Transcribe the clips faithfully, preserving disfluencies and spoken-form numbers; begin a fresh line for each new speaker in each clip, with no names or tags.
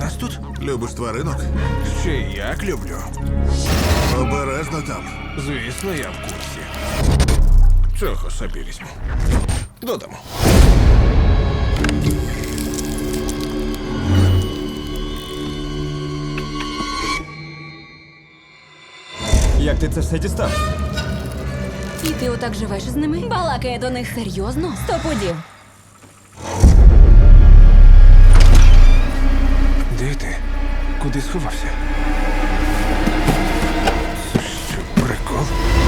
зараз тут?
Любиш тваринок?
Ще й як люблю.
Обережно там.
Звісно, я в курсі. Цього собі візьму. Додому.
Як ти це все дістав?
І ти отак живеш з ними? Балакає до них серйозно? Сто пудів.
Де ти? Куди сховався? Це що, прикол?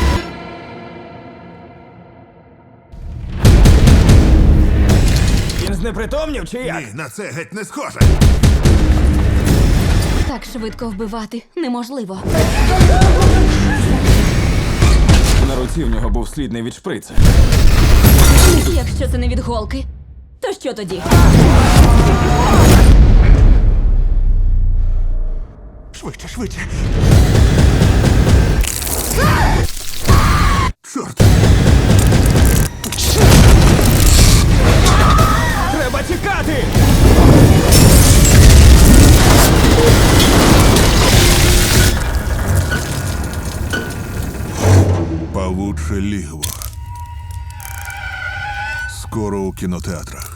Він знепритомнів чи як?
Ні, на це геть не схоже.
Так швидко вбивати неможливо.
На руці в нього був слід не від шприца.
Якщо це не від голки, то що тоді?
Швидше, швидше.
Чорт!
Треба тікати!
Павуче лігво. Скоро у кінотеатрах.